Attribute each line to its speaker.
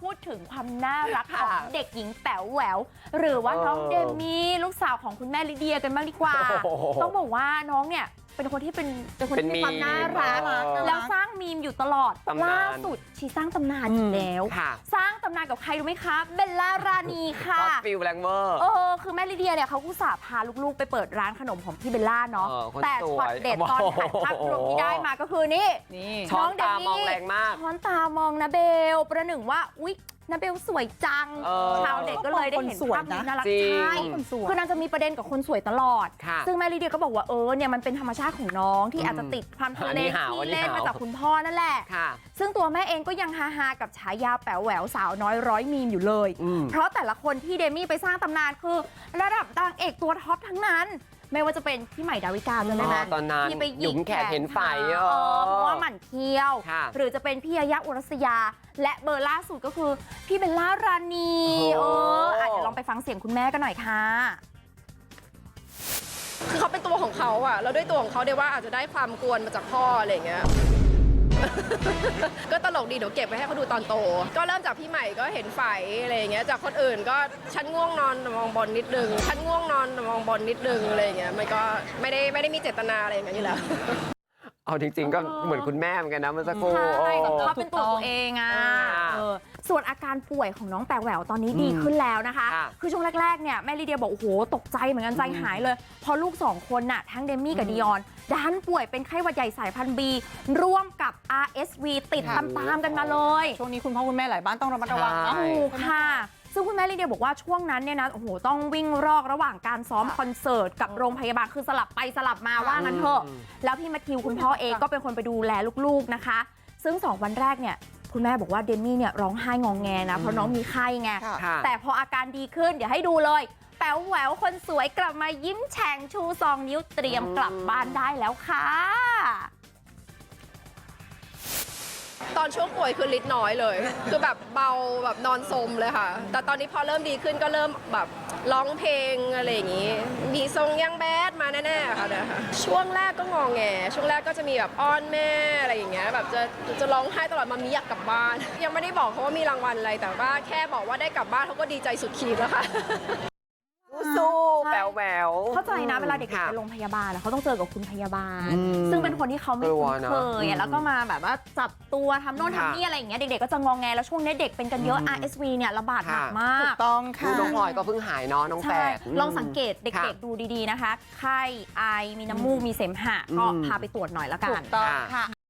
Speaker 1: พูดถึงความน่ารักของเด็กหญิงแป๋วแหววหรือว่าน้องเดมี่ลูกสาวของคุณแม่ลิเดียกันบ้างดีกว่าต้องบอกว่าน้องเนี่ยเป็นคนที่มีความน่ารักแล้วสร้างมีมอยู่ตลอดล่าสุดชีสร้างตำนานอีกแล้วสร้างตำนานกับใครรู้ไหมคะเบลล่ารานีค่ะ
Speaker 2: ฟิลแรงเวอร์
Speaker 1: คือแม่ลิเดียเนี่ยเขาอุตส่าห์พาลูกๆไปเปิดร้านขนมของพี่เบลล่าเนาะแต่ช็อตเด็ดตอนถ่ายภาพรวมที่ได้มาก็คือนี่
Speaker 2: น้องเดมี่มองแรงมาก
Speaker 1: ช้อนตามองนะเบลประหนึ่งว่าอุ๊ยนาเบลสวยจังชาวเด็กก็เลยได้เห็นภาพนี้น่ารักใช่คือนางจะมีประเด็นกับคนสวยตลอดซึ่งแม่ลิเดียก็บอกว่าเนี่ยมันเป็นธรรมชาติของน้องที่อาจจะติดความทุเรศที่เล่นมาจากคุณพ่อนั่นแหละซึ่งตัวแม่เองก็ยังฮาๆกับฉายาแป๋วแหววสาวน้อยร้อยมีมอยู่เลยเพราะแต่ละคนที่เดมี่ไปสร้างตำนานคือระดับนางเอกตัวท็อปทั้งนั้นไม่ว่าจะเป็นพี่ใหม่ดาวิกาเลยนะ
Speaker 2: ตอนนั้น
Speaker 1: ที่ไปหยิ
Speaker 2: กแขนเห็นไฟ
Speaker 1: เพราะว่าหมั่นเคี้ยวหรือจะเป็นพี่ยายาอุรัสยาและเบอร์ล่าสุดก็คือพี่เบลล่ารานีเดี๋ยวลองไปฟังเสียงคุณแม่กันหน่อยค่ะ
Speaker 3: คือเขาเป็นตัวของเขาอะแล้วด้วยตัวของเขาเดี๋ยวว่าอาจจะได้ความกวนมาจากพ่ออะไรอย่างเงี้ย ก็ตลกดีเดี๋ยวเก็บไว้ให้เขาดูตอนโตก็เริ่มจากพี่ใหม่ก็เห็นไฟอะไรอย่างเงี้ยจากคนอื่นก็ฉันง่วงนอนมองบนนิดนึงฉันง่วงนอนมองบนนิดนึงอะไรอย่างเงี้ยมันก็ไม่ได้มีเจตนาอะไรอย่างเงี้ยอยู่แล้ว
Speaker 2: เอาจริงๆก็เหมือนคุณแม่เหมือนกันนะเมื่อสักครู่
Speaker 1: ใช่เขาเป็นตัวเองอ่ะส่วนอาการป่วยของน้องแป๋วแหววตอนนี้ดีขึ้นแล้วนะคะคือช่วงแรกๆเนี่ยแม่ลีเดียบอกโอ้โหตกใจเหมือนกันใจหายเลยพอลูก2คนน่ะทั้งเดมี่กับดิออนดันป่วยเป็นไข้หวัดใหญ่สายพันธุ์ B ร่วมกับ RSV ติดตามๆกันมาเลย
Speaker 4: ช่วงนี้คุณพ่อคุณแม่หลายบ้านต้องระมัดระวังนะ
Speaker 1: ค่ะซึ่งคุณแม่ลีเดียบอกว่าช่วงนั้นเนี่ยนะโอ้โหต้องวิ่งรอกระหว่างการซ้อมคอนเสิร์ตกับโรงพยาบาลคือสลับไปสลับมาว่างั้นเถอะแล้วพี่แมทธิวคุณพ่อเองก็เป็นคนไปดูแลลูกๆนะคะซึ่ง2วันแรกเนี่ยคุณแม่บอกว่าเดมี่เนี่ยร้องไห้งองแงนะเพราะน้องมีไข้ไงแต่พออาการดีขึ้นเดี๋ยวให้ดูเลยแป๋วแหววคนสวยกลับมายิ้มแฉ่งชู2 นิ้วเตรียมกลับบ้านได้แล้วค่ะ
Speaker 3: ตอนช่วงป่วยคือลิดน้อยเลยคือแบบเบาแบบนอนสมเลยค่ะแต่ตอนนี้พอเริ่มดีขึ้นก็เริ่มแบบร้องเพลงอะไรอย่างงี้มีทรงยังแบดมาแน่ๆค่ะนะคะช่วงแรกก็งอแงช่วงแรกก็จะมีแบบอ้อนแม่อะไรอย่างเงี้ยแบบจะร้องไห้ตลอดมามีอยากกลับบ้านยังไม่ได้บอกเขาว่ามีรางวัลอะไรแต่ว่าแค่บอกว่าได้กลับบ้านเขาก็ดีใจสุดขีดแล้วค่ะ
Speaker 2: สู้แป๋วแหวว
Speaker 1: เข้าใจนะเวลาเด็กๆไปโรงพยาบาลเขาต้องเจอกับคุณพยาบาลซึ่งเป็นคนที่เขาไม่คุ้นเคยแล้วก็มาแบบว่าจับตัวทำโน่นทำนี่อะไรอย่างเงี้ยเด็กๆก็จะงองแงแล้วช่วงนี้เด็กเป็นกันเยอะ RSV เนี่ยระบาดหนักมาก
Speaker 4: ถูกต้องค่ะ
Speaker 2: น้องพลอยก็เพิ่งหายเนาะน้องแฝด
Speaker 1: ลองสังเกตเด็กๆดูดีๆนะคะไข้ไอมีน้ำมูกมีเสมหะก็พาไปตรวจหน่อยละกัน
Speaker 4: ถูกต้องค่ะ